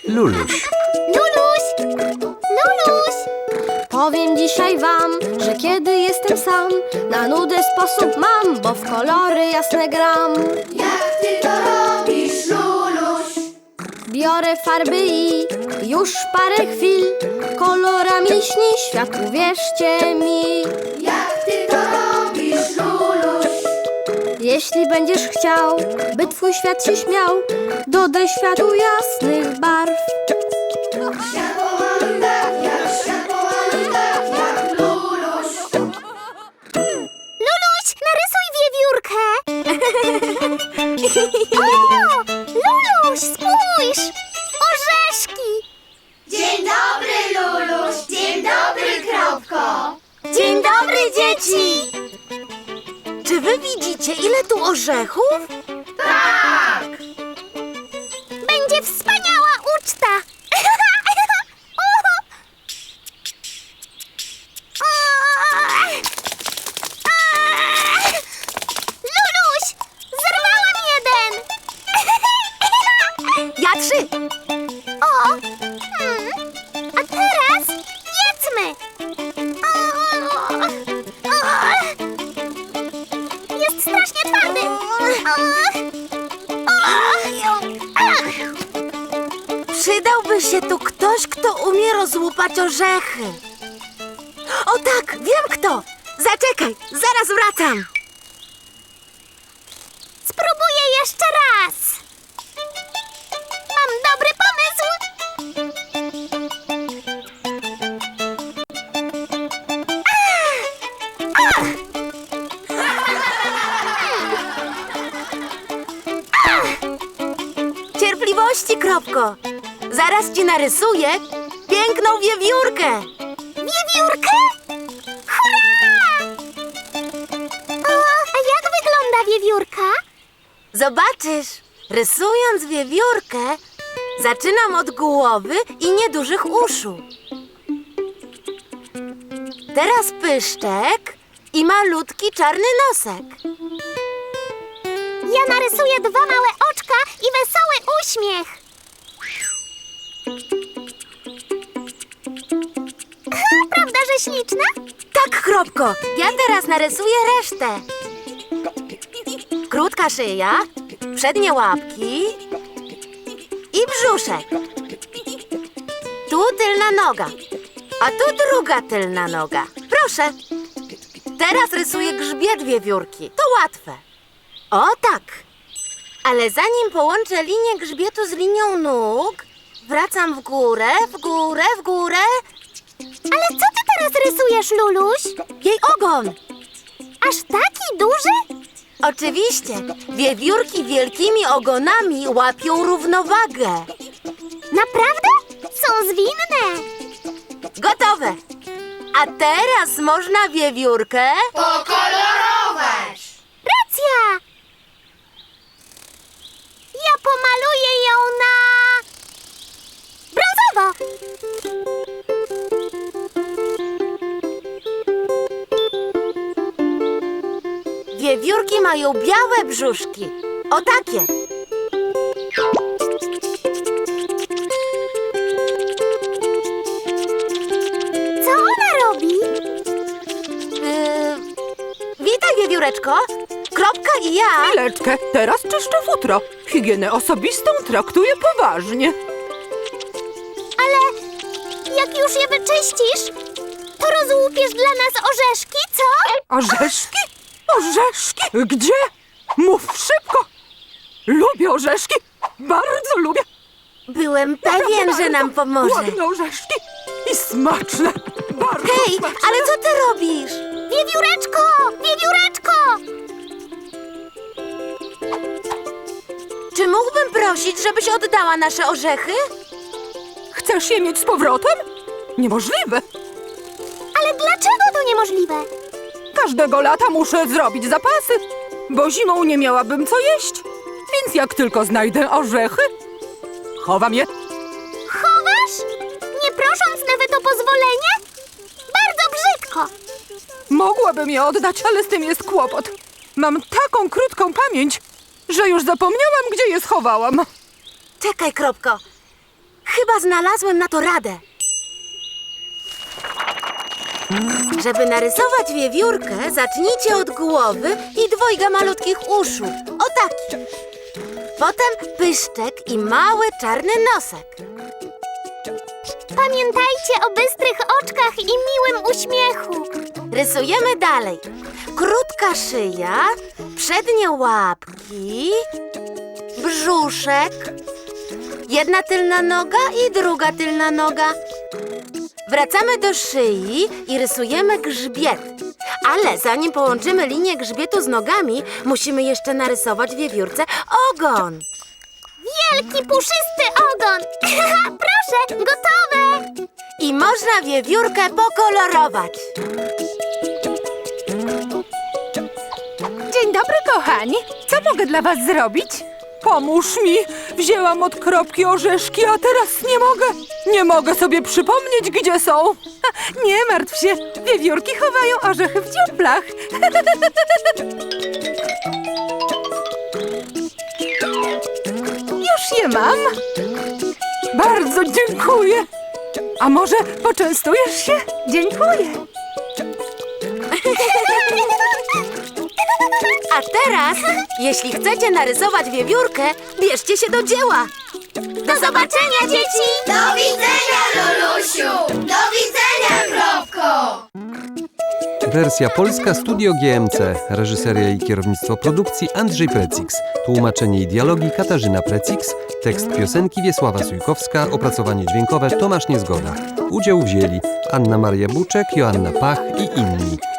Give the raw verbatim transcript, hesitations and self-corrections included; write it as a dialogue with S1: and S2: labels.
S1: Luluś.
S2: Luluś! Luluś! Powiem dzisiaj wam, że kiedy jestem sam, na nudę sposób mam, bo w kolory jasne gram.
S3: Jak ty to robisz, Luluś?
S2: Biorę farby i już parę chwil kolorami śni świat, uwierzcie mi.
S3: Jak ty to robisz, Luluś?
S2: Jeśli będziesz chciał, by twój świat się śmiał, dodaj światu jasnych barw.
S3: Światłowany tak jak, światłowany tak jak Luluś.
S2: Luluś, narysuj wiewiórkę! O! Luluś, spójrz! Orzeszki!
S3: Dzień dobry, Luluś! Dzień dobry, Kropko!
S2: Dzień dobry, dzieci!
S4: Czy wy widzicie, ile tu orzechów?
S3: Tak!
S2: Będzie wspaniała uczta! Luluś, zerwałam jeden!
S4: Ja trzy!
S2: O! Hmm. A teraz jedzmy! Jest strasznie twardy!
S4: Przydałby się tu ktoś, kto umie rozłupać orzechy. O tak, wiem kto! Zaczekaj, zaraz wracam!
S2: Spróbuję jeszcze raz! Mam dobry pomysł!
S4: Cierpliwości, Kropko! Zaraz ci narysuję piękną wiewiórkę!
S2: Wiewiórkę? Hurra! O, a jak wygląda wiewiórka?
S4: Zobaczysz, rysując wiewiórkę, zaczynam od głowy i niedużych uszu. Teraz pyszczek i malutki czarny nosek.
S2: Ja narysuję dwa małe oczka i wesoły uśmiech. Prawda, że śliczna?
S4: Tak, Kropko, ja teraz narysuję resztę. Krótka szyja, przednie łapki i brzuszek. Tu tylna noga, a tu druga tylna noga. Proszę. Teraz rysuję grzbiet wiewiórki. To łatwe. O tak. Ale zanim połączę linię grzbietu z linią nóg, wracam w górę, w górę, w górę.
S2: Ale co ty teraz rysujesz, Luluś?
S4: Jej ogon.
S2: Aż taki duży?
S4: Oczywiście, wiewiórki wielkimi ogonami łapią równowagę.
S2: Naprawdę? Są zwinne.
S4: Gotowe. A teraz można wiewiórkę
S3: Pokolorować!
S2: Racja! Ja pomaluję ją na... brązowo!
S4: Wiewiórki mają białe brzuszki. O takie.
S2: Co ona robi?
S4: Yy, witaj, wiewióreczko. Kropka i ja...
S5: Chwileczkę, teraz czyszczę futro. Higienę osobistą traktuję poważnie.
S2: Ale jak już je wyczyścisz, to rozłupiesz dla nas orzeszki, co?
S5: Orzeszki? Orzeszki? Gdzie? Mów szybko! Lubię orzeszki! Bardzo lubię!
S4: Byłem pewien, że nam pomoże.
S5: Ładne orzeszki i smaczne! Bardzo
S4: Hej,
S5: smaczne!
S4: ale co ty robisz?
S2: Wiewióreczko! Wiewióreczko!
S4: Czy mógłbym prosić, żebyś oddała nasze orzechy?
S5: Chcesz je mieć z powrotem? Niemożliwe!
S2: Ale dlaczego to niemożliwe?
S5: Każdego lata muszę zrobić zapasy, bo zimą nie miałabym co jeść. Więc jak tylko znajdę orzechy, chowam je.
S2: Chowasz? Nie prosząc nawet o pozwolenie? Bardzo brzydko!
S5: Mogłabym je oddać, ale z tym jest kłopot. Mam taką krótką pamięć, że już zapomniałam, gdzie je schowałam.
S4: Czekaj, Kropko. Chyba znalazłem na to radę. Żeby narysować wiewiórkę, zacznijcie od głowy i dwojga malutkich uszu. O taki. Potem pyszczek i mały czarny nosek.
S2: Pamiętajcie o bystrych oczkach i miłym uśmiechu.
S4: Rysujemy dalej. Krótka szyja, przednie łapki, brzuszek, jedna tylna noga i druga tylna noga. Wracamy do szyi i rysujemy grzbiet. Ale zanim połączymy linię grzbietu z nogami, musimy jeszcze narysować wiewiórce ogon.
S2: Wielki, puszysty ogon. Proszę, gotowe.
S4: I można wiewiórkę pokolorować.
S5: Dzień dobry, kochani. Co mogę dla was zrobić? Pomóż mi. Wzięłam od kropki orzeszki, a teraz nie mogę. Nie mogę sobie przypomnieć, gdzie są. Ha, nie martw się. Wiewiórki chowają orzechy w dziuplach. Już je mam. Bardzo dziękuję. A może poczęstujesz się? Dziękuję.
S4: A teraz, jeśli chcecie narysować wiewiórkę, bierzcie się do dzieła. Do zobaczenia, dzieci!
S3: Do widzenia, Lulusiu! Do widzenia, Kropko!
S1: Wersja polska Studio G M C. Reżyseria i kierownictwo produkcji Andrzej Precix. Tłumaczenie i dialogi Katarzyna Precix. Tekst piosenki Wiesława Sujkowska. Opracowanie dźwiękowe Tomasz Niezgoda. Udział wzięli Anna Maria Buczek, Joanna Pach i inni.